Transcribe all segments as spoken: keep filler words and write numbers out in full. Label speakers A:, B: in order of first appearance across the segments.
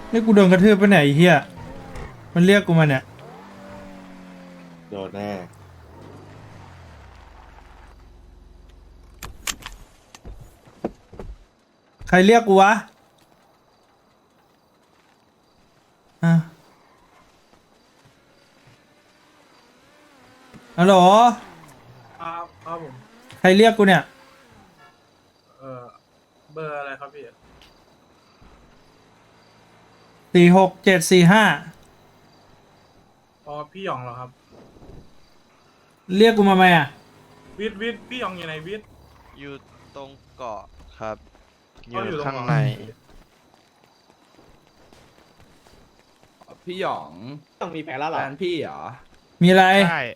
A: นี่กูโดนกระทืบไปไหนไอ้เฮียมันเรียกกูมาเนี่ย
B: โดนแน่
A: ใครเรียกกูวะอ่ะฮัลโหล
C: ครับครับผม
A: ใครเรียกกูเนี่ย
C: เอ่อเบอร์อะไรครับพี่
A: สี่หกเจ็ดสี่ห้า
C: อ๋อพี่หยองเหรอครับ
A: เรียกกูมาไหมอ่ะ
C: วิทย์วิทย์พี่หยองอยู่ไหนวิทย์
D: อยู่ตรงเกาะครับอ
C: อ๋ออยู่
D: ยู่
C: ตรง
D: ข้าง
C: เกาะ
D: ใน
E: พี่หยอง
F: ต้องมีแผนแล้วเหร
E: แฟ
F: อน
E: พี่เหรอ
A: มีอะไร
D: ใช่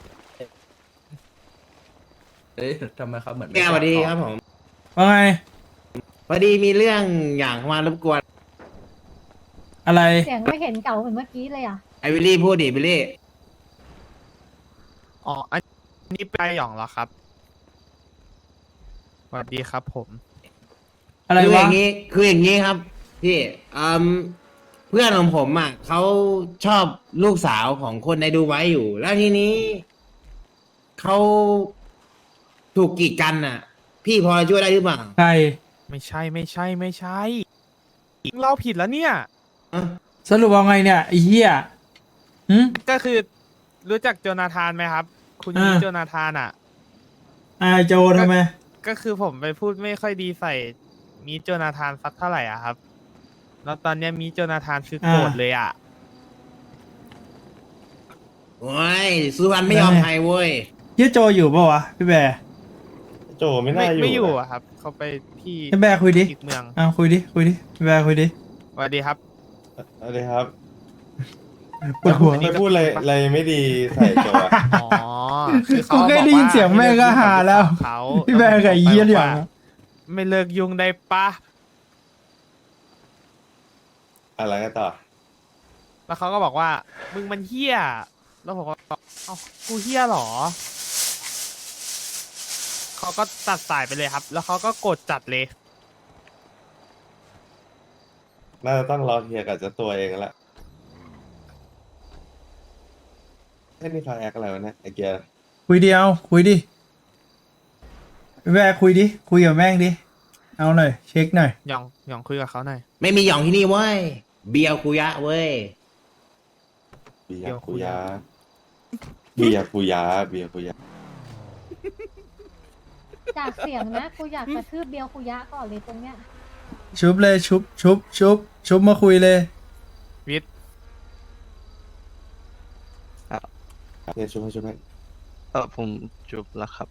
E: เอ้ยทำไมเขาเหมือนไม่
F: แกสวัสดี
E: ตอ
F: ครับผม
A: ว่าไง
F: พอดีมีเรื่องอย่างมารบกวน
A: อะไร
G: เสียงไม่เห็นเก่าเหมือนเมื่อกี้เลยอ่ะ
F: ไอวิลลี่พูดดิวิลลี่
D: อ๋ออันนี้ไปหยองเหรอครับสวัสดีครับผม
A: อะไร
F: คืออ
A: วะ
F: ย่างนี้คืออย่างนี้ครับ พี่อืมเพื่อนของผมอ่ะเขาชอบลูกสาวของคนในดูไว้อยู่ แล้วทีนี้เขาถูกกีดกันอ่ะ พี่พอจะช่วยได้หรือเปล่า
A: ใคร
D: ไม่ใช่ไม่ใช่ไม่ใช่เราผิดแล้วเนี่ย
F: อ่ะ
A: สรุปว่าไงเนี่ยไอ้เหี้ยหึ
D: ก็คือรู้จักโจนาธานไหมครับ คุณ
A: อ่า
D: ยีโจนาธานอ่ะ
A: อ่าโจทำไม
D: ก็คือผมไปพูดไม่ค่อยดีใส่มีโจนาธานสักเท่าไหร่อ่ะครับ แล้วตอนเนี้ยมีโจนาธานคือโกรธเลยอ่ะ
F: โอ้ยสุวรรณไม่ยอมใครเว้ย
A: เฮียโจอยู่ปะวะพี่แบร์
B: โจไม่
D: ไม่
B: น่าอยู่
D: ไม่อยู่
B: นะ
D: อ่ะครับ เขาไปที่
A: พี่แบร์คุยดิ
D: อีกเมือง
A: อ้าวคุยดิคุยดิพี่แบร์คุยดิ
D: สวัสดีครับ
B: อะไรครับ
A: ปวดหัว
B: ไม่พูดอะไรอะไรไม่ดีใส่โจอะ
D: อ๋อ คือเขา
A: กูแค่
D: บอก
A: ได้ยิน
D: ว่า
A: เสียงแม่งก็หาแล้ว
D: เขา
A: พี่แบร์กับไอ้เหี้ยเหลี่ยมอะ
D: ไม่เลิกยุ่งได้ปะ
B: อะไรกันต่อ
D: แล้วเขาก็บอกว่า มึงมันเฮี้ย แล้วผมก็บอกเอ้ากูเฮี้ยเหรอ เขาก็ตัดสายไปเลยครับ แล้วเขาก็กดจัดเลย
B: น่าจะต้องรอเคลียร์กับเจ้าตัวเองแล้วแหละแค่นี้คลายแอคอะไรวะเนี่ยไอเกียร์
A: คุยเดียวคุยดิพี่แบร์คุยดิคุยกับแม่งดิเอาหน่อยเช็คหน่อย
D: หยองหยองคุยกับเขาหน่อย
F: ไม่มีหยองที่นี่เว้ยเบียร์คุยะเว้ย
B: เบีย
D: เดี๋ยว
B: ร์
D: คุ
B: คุ
D: ย
B: ยะเบียร์คุยะเบียร์คุยะ
G: จากเสียงนะกูอยากกระทืบเบียวคุยะก่อนเลยตรงเนี้ย
A: ชุบเลยชุบชุบชุบชุบมาคุยเลย
D: วิทย์
B: เนี่ยช่วยให้ช่วยให้
D: เออผมจุบแล้วครับ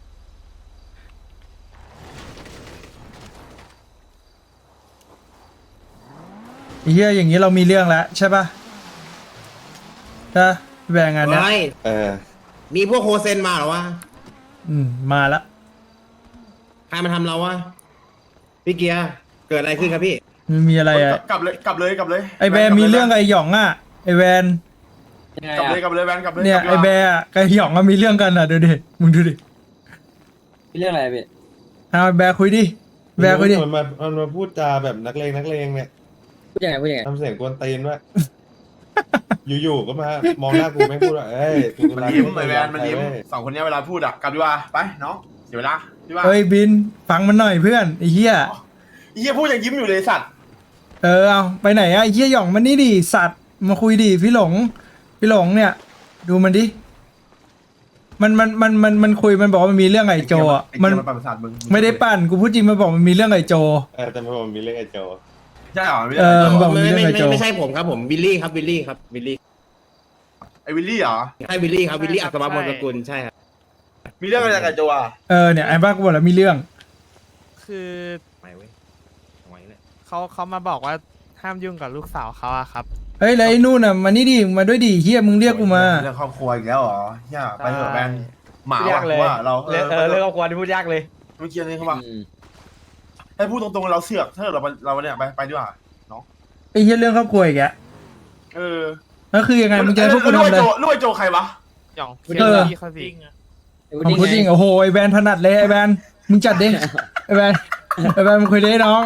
A: ไอ้เหี้ยอย่างนี้เรามีเรื่องแล้วใช่ปะใช่พี่แบร์งานเนี้ย
F: เฮ้ย
B: เออ
F: มีพวกโฮเซนมาเหรอวะ
A: อืมมาละ
F: ใครมาทำเราวะ พี่เกียร์เกิดอะไรขึ้นครับพี่
A: มันมีอะไรอ่ะ
C: กลับเลยกลับเลยกลับเลย
A: ไอแบร์มีเรื่องกับไอหยองอ่ะไอแวน
C: กลับเลยกลับเลยแวนกลับเลย
A: เนี่ย
C: ก
A: ไอ
C: ลับ
A: แบ
C: เลย
A: ร์อะกับไอหยองก็มีเรื่องกันอ่ะดูดิมึงดูดิ
H: เรื่องอะไรพี่
A: เอาไอ้แบร์คุยดิแบร์คุยดิ
B: มันมามันมาพูดจาแบบนักเลงนักเลงเนี่ย
H: พูดยังไงพูดยังไง
B: ทำเสียงกวนตีนด้วย อยู่ๆก็มามองหน้ากูไม่พูดว่าเอ้ยกู
C: มัน
B: กำลัง
C: ยิ้ม
B: ไม่
C: ไอ
B: เคย
C: แวย
B: อน ม
C: มัน
B: ใคร
C: ยิ้ม
B: เว้ย
C: สองคนเนี้ยเวลาพูดอะกลับดีกว่าไปน้องเสียเวลาดีกว่า
A: เฮ้ยบินฟังมันหน่อยเพื่อนไอ้เหี้ย
C: ไอ้เฮียพูดยังยิ้มอยู่เลยสัตว์
A: เออเอาไปไหนอะไอ้เหี้ยหยองมันนี่ดิสัตว์มาคุยดิพี่หลงพี่หลงเนี่ย ดูมันดิมันมันมันมันมันคุยมันบอกว่ามันมีเรื่องไอ้โจอะ
C: ไอ้
A: มัน
C: เหี้ยมันปั่นประสาทมึง
A: ไม่ได้ปั่นกูพูดจริงมันบอกมันมีเรื่องไอ้โจ
B: เออแต่ไม่บอกมีเรื่องไอ้โจ
C: ใช่เหรอไม่
A: เอ
C: ใช่
A: อ
C: เหรอ
A: บอก
F: ไม่
A: มีเรื่อง
F: ไม่
A: ไอ้
F: ไม่
A: โจ
F: ไม่ใช่ผมครับผมวิลลี่ครับวิลลี่ครับวิลลี่
C: ไอวิลลี่เหรอ
F: ใช่วิลลี่ครับวิลลี่อัศวมนสกุลใช่ครับ
C: มีเรื่องอะไรกับโจอะ
A: เออเนี่ยไอ้บ้ากูบอกแล้วมีเรื่อง
D: คือ
F: ไม่เว้ยเอาไว้เลย
D: เขาเขามาบอกว่าห้ามยุ่งกับลูกสาวเขาอะครับ
A: เฮ้ยแล้วไอ้นู่นน่ะมานี่ดิมาด้วยดิเฮียมึงเรียกกูมา
C: เรื่องครอบครัวอีกแล้วเหรอเฮียไปเถอะแวนหมา
H: พูดยากเลย
C: ว่าเราเอ
H: เรื่อง
C: อ
H: เออเรื่องครอบครัวที่พูดยากเลย
C: เมื่อกี้นี่เขาบอก
H: อืม
C: ให้พูดตรงๆเราเสือกถ้าเราเราเนี่ยไปไปดีกว่า
A: ไอ้เฮียเรื่องครอบครัวอีกแก
C: เออ
A: แล้วคือยังไงมึงจะให้พวกกูทำอะไร
C: ลูกไอโจใครวะ
D: หยอง
A: เออ
D: พี่เขาสิ
A: ของพูดจริงโอ้โหไอ้แบนถนัดเลยไอ้แบนมึงจัดดิไอ้แบนไอ้แบนมึงคุยดิน้อง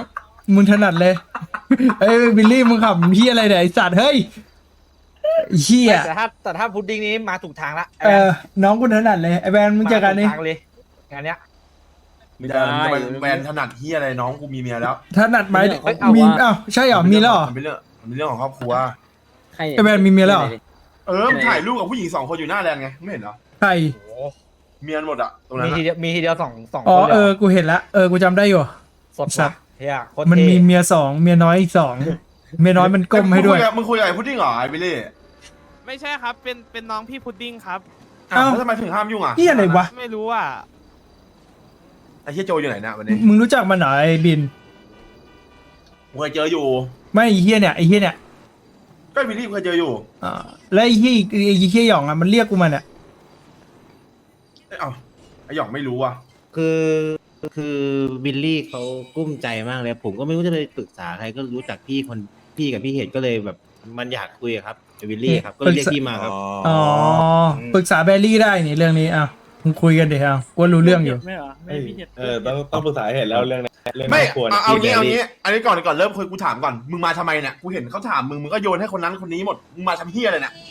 A: มึงถนัดเลยเอ้ยบิลลี่มึงขับเฮียอะไรเนี่ยไอสัตว์เฮ้ยเฮีย
H: แต่ถ้าแต่ถ้าพุดดิ้งนี้มาถูกทางละ
A: เออน้องกูถนัดเลยไอแบนมึงเจอกันนี่
H: มาถูทางเลยงานเนี้ย
C: มึงจะมึงจะเป็นแบรนด์ถนัดเฮียอะไรน้องกูมีเมียแล้ว
A: ถนัดไหม
H: เฮ้ยเอา
A: มี
H: วะ
A: อ้าวใช่เหรอมีแล้วเหรอ
C: มันเป็นเรื่องมันเป็นเรื่องของครอบครัว
H: ใคร
A: ไอแบนมีเมียแล้วเหรอ
C: เออมึงถ่ายรูปกับผู้หญิงสองคนอยู่หน้าแลนด์ไงไม่เห็นเหรอ
A: ใคร
H: โอ้โห
C: เมียนหมดอะตรงนั้
H: มี
C: น
H: ที
C: อะ
H: เดียวมีทีเดียวสองสอง
A: อ๋อ
H: คนเลย
A: เอ
H: หร
A: อกูเห็นละเออกูจำได้อยู่
H: สด
A: สั
H: สั
A: ต
H: ต
A: ว์
H: เฮียโคตร
A: มัน
H: เท่
A: มีเมียสองเมียน้อยอีกสองเมียน้อยมันก้มให้ด้วย
C: มึงคุยกับมึงคุยกับไอ้พุดดิ้งเหรอไอ้บิลลี่
D: ไม่ใช่ครับ เป็นเป็นน้องพี่พุดดิ้งครับ
C: อ้าว
A: เอ้า
C: แล้วทำไมถึงห้ามยุ่งอ่ะ
A: เฮียอะไรวะ
D: ไม่รู้อ่ะ
C: ไอ้เฮียโจอยู่ไหนเนี่ยวันนี้
A: มึงรู้จักมันเหรอไอบิน
C: มึงเคยเจออยู่
A: ไม่ไอเฮียเนี่ยไอเฮียเนี่ย
C: ก็ไอ้บิลลี่เคยเจออยู่
A: อ่าแล้วไอเฮียอีกไอเฮียหยองอ่ะมันเรียกกูมาเนี่ย
C: เอ้ยเอ้าไอ้หยองไม่รู้อ่ะ
F: คือคือบิลลี่เขากุ้มใจมากเลย ผมก็ไม่รู้จะไปปรึกษาใครก็รู้จักพี่คนพี่กับพี่เหตุก็เลยแบบมันอยากคุยอะครับไอ้บิลลี่ครับก็เลยเรียกพี่มาครับ
A: อ๋อปรึกษาแบรี่ได้นี่เรื่องนี้อ้าวมึงคุยกันเดี๋ยวกูรู้เรื่องอยู่
B: ไม่เหรอไม่พี่เออต้องต้องปรึกษาให้เห็นแล้วเรื่องนี้เรื่อง
C: ไม่
B: ควร
C: เอาเอางี้เอางี้อันนี้ก่อนก่อนเริ่มคุยกูถามก่อนมึงมาทำไมเนี่ยกูเห็นเขาถามมึงมึงก็โยนให้คนนั้นคนนี้หมดมึงมาทำเฮียอะไรเนี่ย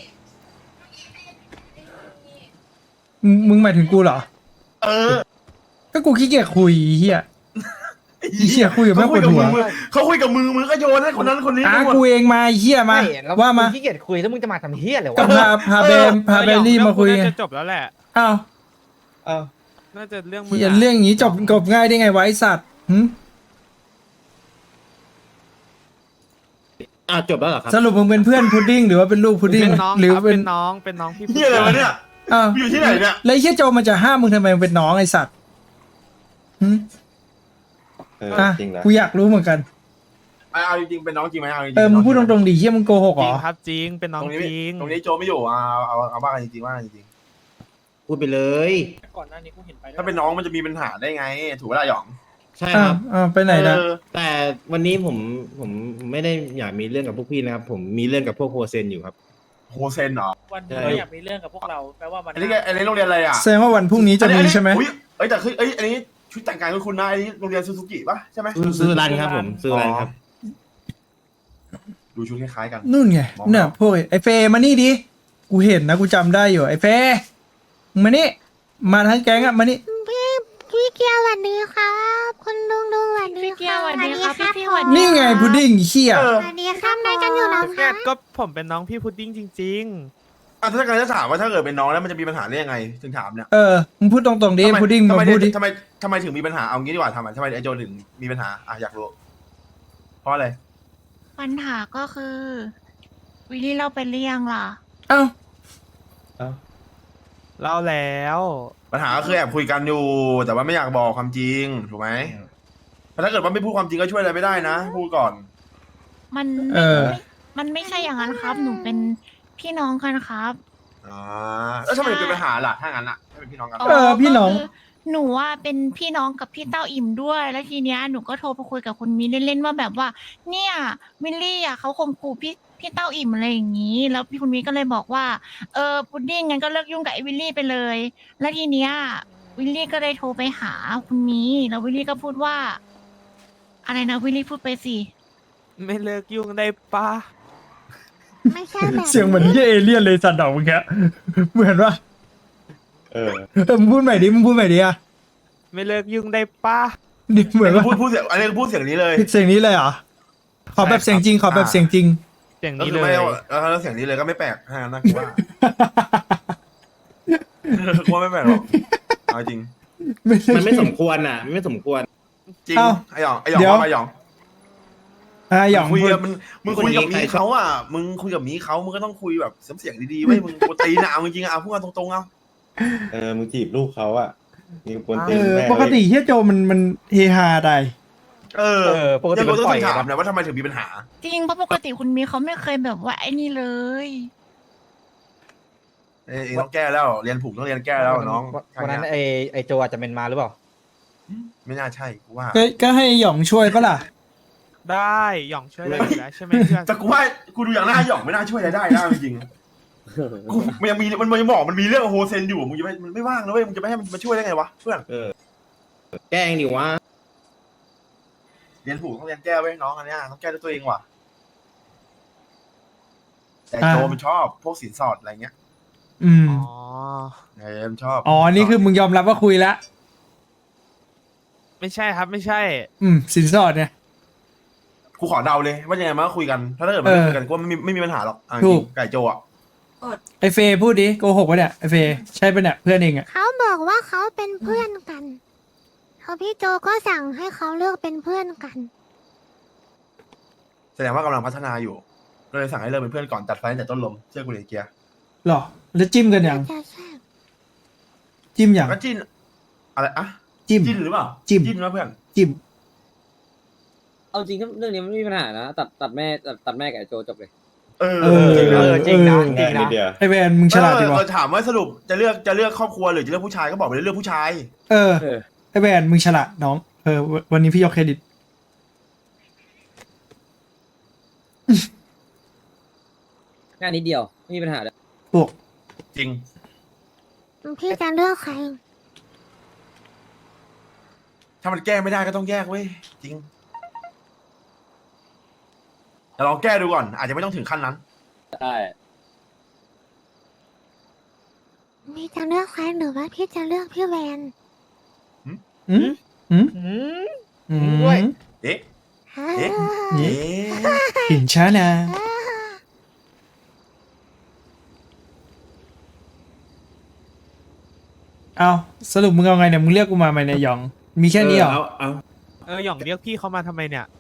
A: มึงมึงหมายถึงกูเหรอ
C: เออ
A: ก็กูขี้เกียจคุยเฮีย เหี้ยคุยกับแม่งปวดหัว
C: เขาคุยกับมึงมึงก็โยนให้คนนั้นคนนี้
A: อ่ะ
C: หมด
A: กูเองมาเฮียมา
H: ไม่แล้ว
A: ว่ามา
H: งขี้เกียจคุยแล้วมึงจะมาทำเฮียอะไร
A: ก็
H: วะ
A: พาพาเบมพาเบลลี่มาคุย
D: เรื่อง
A: ไง
D: น่าจะจบแล้วแหละ
A: อ้าว
B: อ้าว
D: น่าจะเรื่องมึ
A: เฮีย
D: อะ
A: เรื่องอย่างนี้จบจบง่ายได้ไงวะไอสัตว์หึ
F: อ่าจบแล้วเหรอครับ
A: สรุปมึงเป็นเพื่อนพุดดิ้งหรือว่าเป็นลูกพุดดิ้ง
D: เป็นน้อง
A: หรือ
D: ครับ
A: เป็
D: เป็น นน้องเป็นน้องพี่พุด
C: เฮียอะไร
D: ดิ้ง
C: วะเนี่ย
A: อ้าว
C: อยู่ที่ไหนเนี่ย
A: แล้วไอ้เฮียโจมันจะห้ามมึงทำไมมึงเป็นน้องไอสัตว์หึ
B: เออ
A: อ่ะ
B: จริงนะ
A: กูอยากรู้เหมือนกัน
C: เอาเอาจริงๆเป็นน้องจริงไหมเอาจริงๆ
A: เออมึงพูดต
C: ๆ
A: รงๆดิเฮียมึงโกหก
D: จ
A: เหร
D: ริง
A: อ
D: ครับจริงเป็นน้อง
C: ตรงนี้
D: จริง
C: ตรงนี้โจไม่อยู่เอาเอาเอาเอาบ้ากันจริงๆว่ากันจริง
F: พูดไปเลย
C: ๆถ้าเป็นน้องมันจะมีปัญหาได้ไง ถูกเวลาหยอง
F: ใช่
A: อ้า
F: คว รับ
A: อ้าวไปไหนนะ
C: เออ
F: แต่วันนี้ผมผมไม่ได้อยากมีเรื่องกับพวกพี่นะครับ ผมมีเรื่องกับพวกโฮเซนอยู่ครับ
C: โฮเซนเหรอ
I: วัน
F: ใช่
I: นี้อยากมีเรื่องกับพวกเราแปลว่ามัน
C: อันนี้แกอันนี้โรงเรียนอะไรอ่ะ
A: แสดงว่าวันพรุ่งนี้จะมีใช่ไหม
C: อุ๊ยเอ้ยแต่คือเอ้ยอันนี้ชุดแต่งกายของคุณนะอันนี้โรงเรียนซูซูกิป่ะใช่ไหม
F: ซื้อซื้อรันครับผมซื้อรันครับ
C: ดูชุดคล้ายๆกัน
A: นู่นไง
C: มอง
A: เนี่ย
C: ไม่ออก
A: พวกไอ้เฟย์มานี่ดิกูเห็นนะกูจำได้อยู่ไอ้เฟย์มึงมานี่มาทั้งแก๊งอะมานี่
G: พี่พี่เกียวสวัสดีครับ คุณลุงลุงสวัสดี
I: พี่เกียวสวัสดีครับ
G: ผม
I: พี่สวัสดี
A: นี่ไงพุดดิ้งเขี้ย
C: เออ
G: สวัสดีครับนายกันอยู่แล้ว
D: แก
G: คะ
D: ก็ผมเป็นน้องพี่พุดดิ้งจริง
C: อ่ะถ้าการจะถามว่าถ้าเกิดเป็นน้องแล้วมันจะมีปัญหาได้ยังไง ถึงถามเนี่ย
A: เออมึงพูดตรงๆดิ
C: ทำไม
A: พุดดิ้ง
C: ทำ
A: มา
C: ไม
A: พูดดิ
C: ทำไมทำไมถึงมีปัญหาเอางี้ดีกว่าทำไมทำไมไอโจถึงมีปัญหาอ่ะอยากรู้เพราะอะไร
I: ปัญหาก็คือ วิลลี่เราไปเลี้ยงล่ะ
A: เอ้า
B: อ้าว
D: ๆเล่าแล้ว
C: ปัญหาก็คือแอบคุยกันอยู่ แต่ว่าไม่อยากบอกความจริงถูกไหมแต่ถ้าเกิดว่าไม่พูดความจริงก็ช่วยอะไรไม่ได้นะพูดก่อน
I: มัน
A: เออ
I: มันไม่ใช่อย่างนั้นครับ หนูเป็นพี่น้องกันครับ
C: อ่าแล้วทำไมถึงเป็นปัญหาล่ะถ้างั้นอ่ะถ้าเป็นพี่น้องกัน
A: เออพี่น้อง
I: ก็คือหนูว่าเป็นพี่น้องกับพี่เต้าอิ่มด้วย แล้วทีเนี้ยหนูก็โทรไปคุยกับคุณมีเล่นๆว่าแบบว่า เนี่ยวิลลี่อ่ะเขาข่มขู่พี่พี่เต้าอิ่มอะไรอย่างนี้ แล้วพี่คุณมีก็เลยบอกว่า เออพุดดิ้งงั้นก็เลิกยุ่งกับไอ้วิลลี่ไปเลย แล้วทีเนี้ยวิลลี่ก็เลยโทรไปหาคุณมี แล้ววิลลี่ก็พูดว่า อะไรนะวิลลี่พูดไปสิ
D: ไม่เลิกยุ่งได้ปะ
G: ไม่ใช่แบบ
A: เสียงเหมือนเหี้ยเอเลี่ยนเลยสัตว์ดอกเมื่อกี้เหมือนว่า
B: เออ
A: เออมึงพูดใหม่ดิมึงพูดใหม่ดิอะ
D: ไม่เลิกยุ่งได้ปะ
A: ดิเหมือนว่า
C: พูดพูดเสียงอันนี้พูดเสียงนี้เลย
A: เสียงนี้เลยเหรอขอแบบเสียงจริงขอแบบเสียงจริง
D: อย่าง
C: ก็
D: นี้
C: คือ
D: เล
C: ไม่
D: ย
C: เอาแล้วเสียงนี้เลยก็ไม่แปลกถ้างั้นนะกูว่ากูว่าไม่แปลกหรอกเอาจริง
F: มันไม่สมควรอ่ะมันไม่สมควร
C: จริง
A: เอ้า
C: ไอหยองไอหยอง
A: เดี๋ยว
C: ว่าไอหยอง
A: อ่ะหยอง
C: คุย
A: พูด
C: กับมึงมึงคุยกับมีเขาอ่ะมึงคุยกับมีเขามึงก็ต้องคุยแบบเสียงดีๆไว้ยมึงกูตีนะเอาจริงๆอ่ะเอาพูดกันตรงๆเอา
B: เออมึงจีบลูกเขาอ่ะมีกวน
A: เอ
B: ตีน
A: อ
B: แม่
A: ปกติเฮียโจมันมันเฮฮาได้
C: เออ
H: เออปกติ
C: ยัง
H: มัน
C: ต้อง
H: ปล่อย
C: ถาม
H: ครับ
C: นะว่าทำไมถึงมีปัญหา
I: จริงเพราะปกติคุณมีเขาไม่เคยแบบว่าไอ้นี่เลย
C: เอ้ยต้องแก้แล้วเรียนผูกต้องเรียนแก้แล้วน้อง
H: วันนั้นไอไอโจอาจจะเป็นมาหรือเปล่า
C: ไม่น่าใช่กูว่า
A: ก็ก็ให้หยองช่วยปะล่ะ
D: ได้หย่องช่วยได้อยู่แล้วใช่ไหมเพื่อน
C: แต่กูว่ากูดูอย่างหน้าหยองไม่น่าช่วยอะไรได้นะจริงๆกูมันยังมีมันมันยังบอกมันมีเรื่องโฮเซนอยู่มึงจะไม่มันไม่ว่างนะเว้ยมึงจะไม่ให้มันมาช่วยได้ไงวะเพื่อน
F: แกล้งดิวะ
C: รียนถูกต้องเรียนแก้ไว้น้องอันเนี้ยต้องแก้ด้วยตัวเองว่ะแต่โจมันชอบพวกสินสอดอะไรเงี้ย
A: อืม
D: อ๋อ
C: เออมันชอบ
A: อ๋อนี่คือมึงยอมรับว่าคุยแล้ว
D: ไม่ใช่ครับไม่ใช่
A: อืมสินสอดเนี่ย
C: กูขอเดาเลยว่ายังไงมันก็คุยกันถ้าเกิดมันไม่คุยกันกูว่าไม่มีไม่มีปัญหาหรอกเอาจ
A: ถู
C: ริ
A: ก
C: งไก่โจอ่ะ
A: ไอเฟย์พูดดิโกหกวะเนี่ยไอเฟย์ใช่ปะเนี่ยเพื่อนเองอะ
G: เขาบอกว่าเขาเป็นเพื่อนกันเขาพี่โจก็สั่งให้เขาเลิกเป็นเพื่อนกัน
C: แสดงว่ากำลังพัฒนาอยู่ ก็เลยสั่งให้เลิกเป็นเพื่อนก่อนตัดไฟตั้งแต่ต้นลมเชื่อกูเลยเกียร์
A: หรอแล้วจิ้มกันยัง
G: จะใช่
A: จิ้มยัง
C: ก็จิ้นอะไรอะ
A: จิ้ม
C: จิ้นหรือเปล่า
A: จิ้ม
C: จิ้นนะเพื่อน
A: จิ้ม
H: เอาจริงเรื่องนี้มันไม่มีปัญหานะตัดตัดแม่ตัดตัดแม่กับไอ้โจจบเลย
C: เออ
A: เออ
C: จริงนะ
H: เออจริงนะ
A: เออ
H: จริง
B: นิ
H: นะ
B: ดเดียว
A: ไอแวนมึงฉลาดดี
C: เอ
A: วะ
C: อถามว่าสรุปจะเลือกจะเลือกครอบครัวหรือจะเลือกผู้ชายก็บอกไปเลยเลือกผู้ชาย
A: เออ
H: เออ
A: ไอแวนมึงฉลาดน้องเออววันนี้พี่ยกเครดิต
H: งานนิดเดียวไม่มีปัญหาเลย
A: พวก
C: จริง
G: พี่จะเลือกใคร
C: ถ้ามันแก้ไม่ได้ก็ต้องแยกเว้ยจริงแต่ลองแก้ดูก่อน อาจจะไม่ต้องถึงขั้นนั้น
H: ได้
G: พี่จะเลือกใครหรือว่าพี่จะเลือกพี่แวน
A: อืมอืม
D: อืม
A: อืม
D: ด้วย
C: เอ๊ะ
G: ฮ่า
C: เอ๊ะ
A: เอ๊ะ
C: เอ๊ะ
A: หินช้านะ
G: ฮ่า
A: เอาสรุปมึงเอาไงเนี่ยมึงเรียกกูมาไหมเนี่ยหยอง มีแค่นี้เหรอ
F: เอาเอา
D: เออหย่องเรียกพี่เขามาทำไมเนี่ย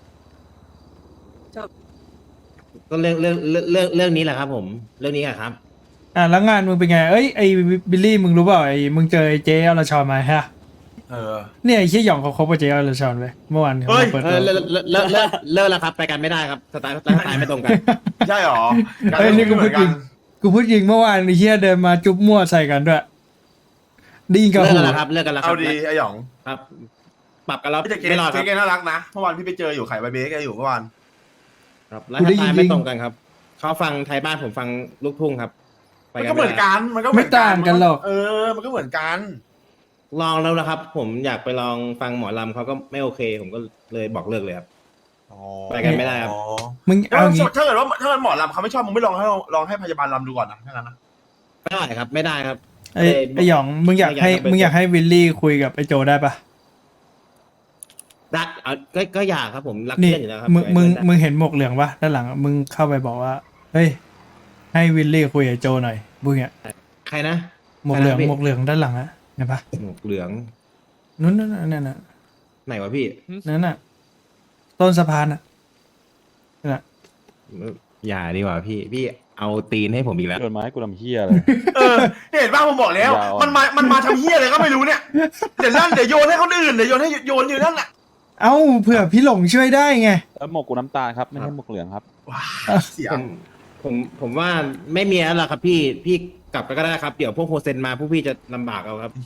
F: ก็เรื่องเรื่องเรื่องเรื่องเรื่องนี้แหละครับ ผมเรื่องนี้อะครับ
A: อ่ะแล้วงานมึงเป็นไงเอ้ยไอบิลลี่มึงรู้เปล่าไอมึงเจอไอเจอลชอนมาฮะ
C: เออ
A: เนี่ยไอเชี่ยหยองเขาคบกับเจอลชอนไปเมื่อวานเขา
C: เฮ้ย
A: มาเปิด
F: เอ
A: ตัว
F: อเลิกเลิกเลิกเลิกเลิกแล้วครับไปกันไม่ได้ครับสไตล์สไตล์สไตล์ไม่ตรงกัน
C: ใช่หรอ
A: เอ้ยนี่กูพูดจริงกูพูดจริงเมื่อวานไอเชี่ยเดินมาจุ๊บมั่วใส่กันด้วยไดีกับ
F: เลิก
A: หู
F: กันแล้วครับเลิกกันแล้วค
C: เอา
F: รับ
C: ดีไอ้หยอง
F: ครับ ปรับกันแล้ว
C: พี่แต่เก
F: ไม่รอด
C: เก
F: ครับ
C: เกน่ารักนะเมื่อวานพี่ไปเจออยู่ไข่ใบเบสแกอยู่เมื่อวาน
F: ครับแล้วสไตล์ไม่ตรงกันครับเขาฟังไทยบ้านผมฟังลูกทุ่งครับไป
C: มัน
F: กั
C: ก็
F: น
C: เหมื
F: ไม่
C: อน
F: ได้
C: กันมันก็
A: ไม่ต่างกันหรอก
C: เออ มันก็เหมือนกัน
F: ลองแล้วนะครับ ผมอยากไปลองฟังหมอลำเขาก็ไม่โอเค ผมก็เลยบอกเลิกเลยครับ ไปกันไม่ได้ครับ
C: อ๋อ
A: มึง
C: ถ้า
A: เอางี้
C: ถ้าเกิดว่าถ้าเกิดหมอลำเขาไม่ชอบมึงไม่ลองให้ลองให้พยาบาลลำดูก่อนนะถ้างั้นนะ
F: ไม่ได้ครับ ไม่ได้ครับ
A: ไอไอหยองมึงอยากให้
F: ไม่อยากให้
A: มึงอยากให้วิลลี่คุยกับไอโจได้ปะ
F: รักเอาก็ก็อยากครับ ผมรัก
A: นี่
F: เพื่อนอยู่แล้วครับ
A: มึงมึง
F: ไว้ใจ
A: มึงเห็นหมวกเหลืองปะด้านหลังอะมึงเข้าไปบอกว่าเฮ้ยให้วิลลี่คุยกับไอโจหน่อยบุ้งเนี่ย
F: ใครนะ
A: หมวกเหลือง
F: ใครนะพี่
A: หมวกเหลืองด้านหลังอะเห็นปะ
F: หมวกเหลือง
A: นู้นนั่นนั่นนั่นน่ะ
F: ไหนวะพี่
A: นั่นน่ะต้นสะพานอะนั่นน่ะ
F: อย่าดีกว่าพี่ พี่เอาตีนให้ผมอีกแล้ว
B: โดนไม้กูทำเฮียเลย
C: เออเนี่ยเห็นป่ะผมบอกแล้ว
B: ยาวอะ
C: มันมามันมาทำเฮี้ยอะไรก็ไม่รู้เนี่ยเดี๋ยวนั่นเดี๋ยวโยนให้คนอื่นเดี๋ยวโยนให้โยนอยู่นั่นแหละ
A: เอ้าเผื่อพี่หลงช่วยได้ไง
B: แล้วหมวกกูน้ำตาลครับ ไม่ใช่หมวกเหลืองครับ
C: ว้าเสีย
F: ผมผมผมว่าไม่มีแล้วล่ะครับ พี่พี่กลับไปก็ได้ครับ เดี๋ยวพวกโฮเซนมาพวกพี่จะลำบากเอาครับ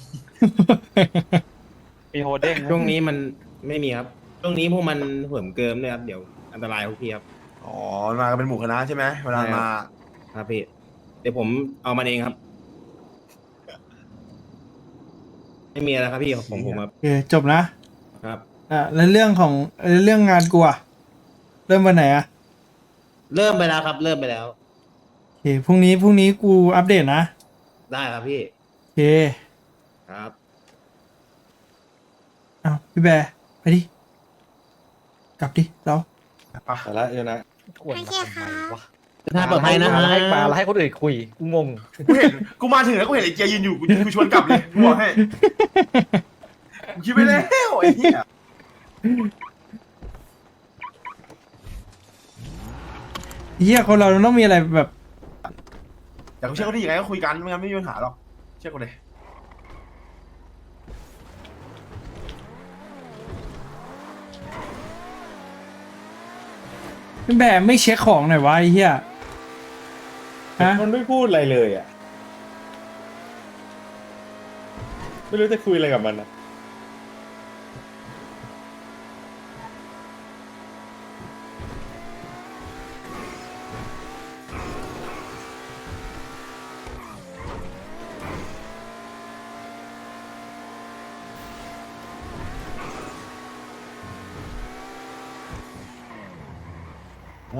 B: มีโฮเด้งไหม
F: ช่วงนี้มันไม่มีครับ ช่วงนี้พวกมันเหิมเกิมเลยครับเดี๋ยวอันตรายพวกพี่ครับ
C: อ๋อมากันเป็นหมู่คณะใช่ไหมเวลามา
F: ครับพี่เดี๋ยวผมเอามันเองครับ ไม่มีอะไรครับพี่ผมผมครับ
A: โอเคจบนะครับ อ่ะแล้วเรื่องของเอ่อเรื่องงานกูอะเริ่มวันไหนอะ
F: เริ่มไปแล้วครับ เริ่มไปแล้ว
A: โอเคพรุ่งนี้พรุ่งนี้กูอัปเดตนะ
F: ได้ครับพี่
A: โอเค
F: ครับ
A: เอาพี่แบร์ไปดิกลับดิเรา
B: ไปละเดี๋ยวนะ
G: โอเคค่ะ
F: ถ้าปลอดภัยนะฮะ
H: ให้มาแล้วให้คนอื่นคุยกูงง
C: กูเห็นกูมาถึงแล้วกูเห็นไอ้เจียยืนอยู่กูกูชวนกลับเลยกูบอกให้กูคิดไปแล้วไอ้เหี้ย
A: เฮียคนเราต้องมีอะไรแบบ
C: แต่กูเชื่อเขาได้ยังไงก็คุยกันไม่งั้นไม่มีปัญหาหรอกเชื่อกูเลย
A: พี่แบร์ไม่เช็คของหน่อยวะไอ้เฮียฮะ
B: มันไม่พูดอะไรเลยอ่ะ ไม่รู้จะคุยอะไรกับมันอ่ะ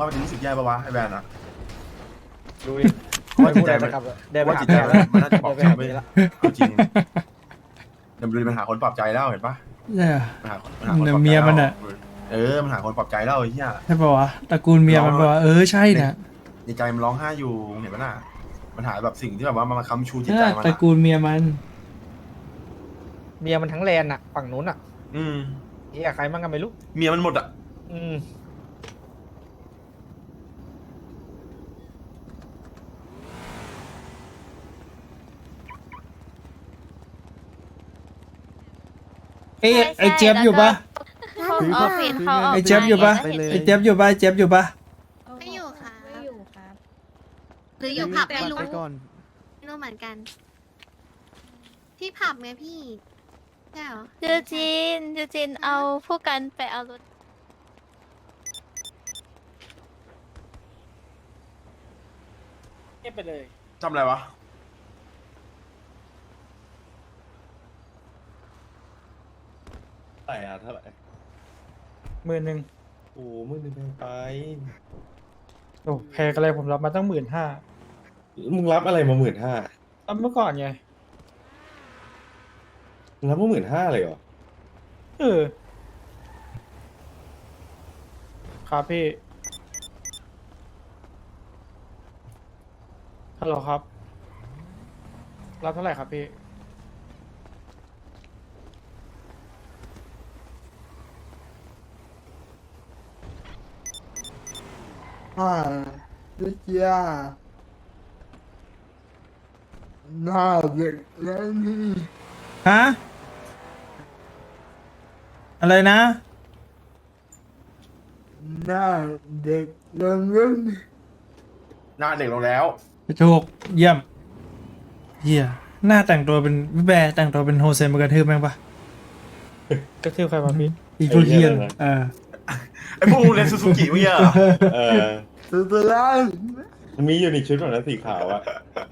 C: ว่ามันจะรู้สึกแย่ปะวะไอ้แบรนด์อะ
J: ดู
C: เพราะว่าจิตใจมัน
J: เดิน
C: เพ
J: ไป
C: ราะว่า
J: หา
C: จิตใจมันมันน่าจะปลอบใจ
J: เดินไป
C: ไม่
J: หา
C: เอาจริงเดี๋ยวมันดูมันหาคนปลอบใจแล้วเห็นปะ
A: เนี่ย
C: มันหาคนมันหาคนปลอบใจ
A: เนี่ยเมียมันอะ
C: เออมันหาคนปลอบใจแล้วไอ้เหี้ย
A: ใช่ปะวะตระกูลเมียมันบอกว่าเออใช่นะ
C: ในใจมันร้องไห้อยู่เห็นปะน่ะมันหาแบบสิ่งที่แบบว่ามันมาค้ำชูจิตใจมัน
A: ตระ
C: อะ
A: กูลเมียมัน
J: เมียมันทั้งแลนด์อ่ะ ฝั่งนู้นอ่ะ
C: อืม
J: เฮียใครมั่งกันไม่รู้
C: เมียมันหมดอะ
J: อืม
A: เอ้ยไอ้เจี๊ยบอยู่ปะ
G: แล้วหนู
I: ออ
G: ก็
I: ฟฟิศเขาออก
A: ไอ้เจี๊ยบอยู่ปะ
I: มา
A: ไอ้เจี๊ยบอยู่ปะไอ้เจี๊ยบอยู่ปะ
G: ไม่อยู่ค่ะ
I: ไม่อยู่ครับ
G: หรืออยู่ผับไม่รู้
J: ไปก่อน
G: ไม่รู้เหมือนกัน พี่ผับไงพี่ใช่เหรอ
I: ยูจินยูจินเอาผู้กันไปเอารถ
J: เงียบไปเลย
C: ทำอะไรวะ
B: ใส่อะเท่าไหร่
J: หมื่นหนึ่ง
B: โอ้มือหนึ่งแพงไป
J: โอ้แพงอะไรผมรับมาตั้งหมื่นห้า
B: มึงรับอะไรมาหมื่นห้า
J: ตั้งเมื่อก่อนไง
B: มึงรับมาหมื่นห้าเลยเหรอ
J: เออ ครับพี่ ฮัลโหลครับ รับเท่าไหร่ครับพี่
K: อ่าดิเจียหน้าเด็กแล้วนี่
A: ฮะอะไรนะ
K: หน้าเด็กแล้วนี่
C: หน้าเด็กลงแล้ว
A: ถูกเยี่ยมเฮียหน้าแต่งตัวเป็นพี่แบร์แต่งตัวเป็นโฮเซนมากระทืบแม่งปะ
J: กระทืบใครมาพี่
A: อีกพวกเฮียนเออ
C: ไอ้พวกมึงเรียนซูซูกิเมื่อกี้เหรอ
B: เออ
K: สุดท้าย
B: มันมีอยู่ในชุดของนั้นสีขาวอะ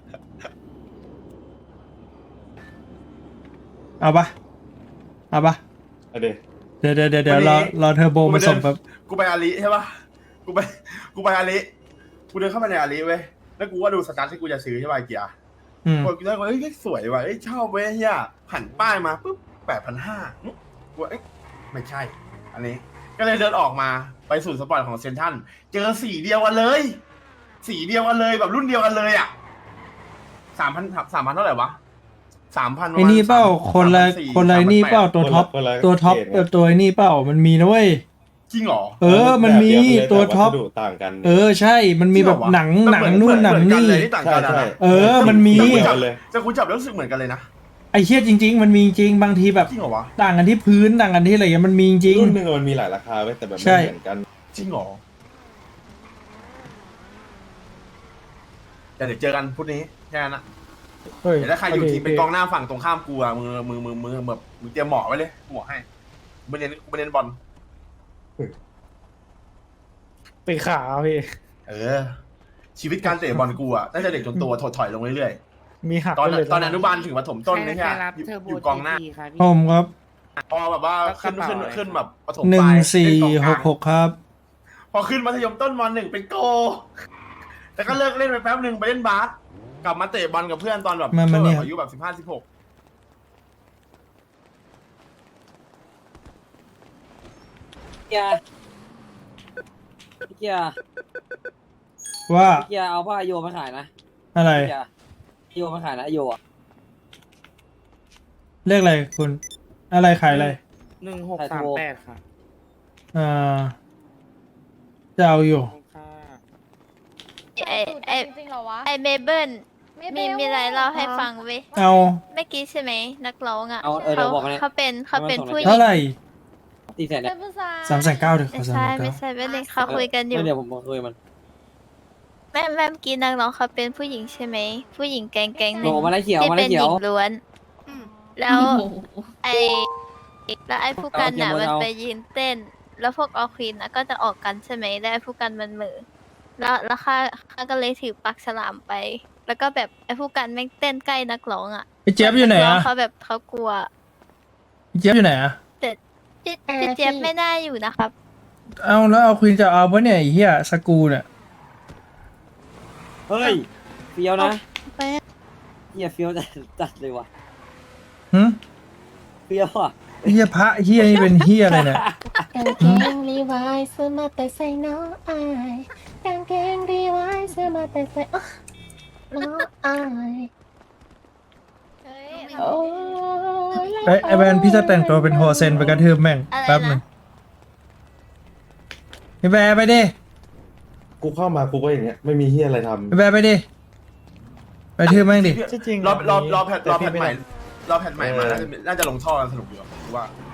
A: เอาปะเอาปะ
B: เอาเดี๋ยว
A: เดี๋ยวเดี๋ยวเดี๋ยวเดี๋ยวรอรอเทอร์โบมาส่งแบบ
C: กูไปอาลีใช่ปะกูไปกูไปอาลีกูเดินเข้าไปในอาลีเว้ยแล้วกูก็ดูสตาร์ทที่กูจะซื้อใช่ปะไอ้เกียร์
A: อืม
C: กูคิดว่าเอ้ยสวยว่ะเอ้ยชอบเว้ยเฮียหันป้ายมาปุ๊บแปดพันห้ากูเอ้ยไม่ใช่ อันนี้ ก็เลยเดินออกมาไปสู่สปอร์ตของเซนทรันเจอสีเดียวกันเลย สีเดียวกันเลยแบบรุ่นเดียวกันเลยอ่ะสามพันสามพันเท่าไหร่วะสามพัน
A: ไอ้นี่เปล่าคนละคนละไอ้นี่เปล่าตัวท็อป
B: คนละ
A: ตัวท็อป
B: เกรดไง
A: เออตัวไอ้นี่เปล่ามันมีนะเว้ย
C: จริงเหรอ
A: เออ มันมี
B: แบบเดียกันเลย
A: ตัวท็อป
B: แวัสดุต่างกัน
A: เออใช่ มันมีแบบหนังหนังนู่นหนังนี่
C: เลยที่ต่าง
B: ใช่
C: กันอะ
B: ใช่
C: นะ
A: เออมันมี
C: แต่กูจับ
B: เลย
C: แต่กูจับแล้วรู้สึกเหมือนกันเลยนะ
A: ไอ้เชี่ยจริง ๆ มันมีจริงบางทีแบบ
C: จริงเหรอวะ
A: ต่างกันที่พื้นต่างกันที่อะไรเงี้ยมันมีจริง
B: รุ่นหนึ่งอะมันมีหลายราคาไว้ยแต่แบบ
A: ใช่
B: ไม่เหมือนกัน
C: จริงเหรอแต่เดี๋ยวเจอกันพุธนี้แค่นั้นนะ
J: เฮ้ย
C: เดี๋ยวถ้าใครอยู่ทีมเป็นกองหน้าฝั่งตรงข้ามกูอะมือมือมือมือแบบมือเตรียมหมอไว้เลยหมอให้กูไปเรียนกูไปเรียนบอล
J: ตีขาพี่
C: เออ ชีวิตการเตะบอลกูอะตั้งแต่เด็กจนโตถดถอยลงเรื่อย
J: มีหัก
C: ๆตอน
J: ไปเลย
C: ตอนอนุบาลถึงประถมต้นนี่แค่อยู่กองหน้า
A: ผมครับ
C: พอแบบว่าขึ้นขึ้นขึ้นแบบประถม
A: หนึ่
C: ป
A: ง
C: ลาย
A: สี่
C: เล่นกอง
A: ห
C: ลาง
A: กหกครับ
C: พอขึ้นมัธยมต้นมหนึ่งเป็นโก แต่ก็เลิกเล่นไปแป๊บหนึ่งไปเล่นบาสกลับมาเตะบอลกับเพื่อนตอนแบบ
A: มามา
C: ช่วง
A: เนี่
C: แบบ
A: ย
C: อายุแบบสิบห้าสิบหก
H: เกียร์เกียร์
A: ว่า
H: เกียร์เอาผ้าโยมาขายนะ
A: อะไร
H: เกียร์โยมาขายนะโยอ่ะ
A: เลขอะไรคุณ อะไรขายอะไร
H: หนึ่งหกสามแปดค่ะ
A: อ่าจะเอาอยู่
I: ไอไอไอเมเบิลมีมีอะไรเล่าให้ฟังเว้ย
A: เอา
I: เมื่อกี้ใช่ไหมนักร้องอ่ะ
H: เอาเออเดี๋ยวบอกมาเลย
I: เขาเป็นเขาเป็นผู้หญิ
A: เท่าง ไหร่
H: ตีแสนเนี่ย
A: สามแสนเก้าเดี๋ยวข
I: ไม่
A: อสาม
I: ใช่
A: แสน
I: ไม่
A: เก้า
I: ใช่ไม่ได้เขาคุยกันอยู่
H: เดี๋ยวผมบอกคุยมัน
I: แม่แม่เมื่อกี้นักร้องเขาเป็นผู้หญิงใช่ไหมผู้หญิงแก๊งแก๊งห
H: โห
I: นึ่ง
H: มาได้เขียว
I: ที่
H: มา
I: เป็
H: ได้
I: น
H: เขี
I: ห
H: ยว
I: ญิงล้วน
G: อืม
I: แล้วไอแล้วไอผู้กันน่ะ
H: เอาเกม
I: มัน
H: เอา
I: ไปยืนเต้น แล้วพวกออควีนน่ะก็จะออกกันใช่ไหมแล้วไอ้ผู้กันมันเหมือแล้วแล้วข้าข้าก็เลยถือปักฉลามไป แล้วก็แบบไอ้ผู้กันแม่งเต้นใกล้นักร้องอ่ะ
A: พี่เจี๊ยบอยู่ไหน
I: กร้ง
A: อะ
I: เขาแบบเขากลัว
A: พี่เจี๊ยบอยู่ไหนอะ
I: แต่พี่พี่เจี๊ยบไม่น่าอยู่นะครับ
A: เอาแล้วเอาควีนจะเอาปะเนี่ยไอ้เหี้ยสกรูเนี่ย
H: เฮ้ยเฟี้ยวนะ
G: ไป
H: เฮียเฟี้ยวจัดจัดเลยว่ะ
A: หึ
H: เฟี้ยวอ่ะ
A: ไอ้เหี้ยพระเหี้ยนี่เป็นเหี้ยอะไรเนี่ย
G: กางเกงรีไวซ์ซื้อมาแต่ใส่น้องอายกางเกงรีไวซ์ซื้อมาแต่ใส่อ๊ะน้องอายโอ้ย
A: ไอ้ไอ้แวนพี่จะแต่งตัวเป็นโฮเซนไปกระทืบแม่งแป๊บหนึงไอ้แวนไปดิ
B: กูเข้ามากูก็อย่างเงี้ยไม่มีเฮียอะไรทำ
A: ไอ้แวนไปดิไปทืบแม่งดิ
C: รอบรอบรอบแพทรอบแพทใหม่รอบแพทใหม่มาน่าจะน่าจะลงท่อกันสนุกอยู่หรือว่า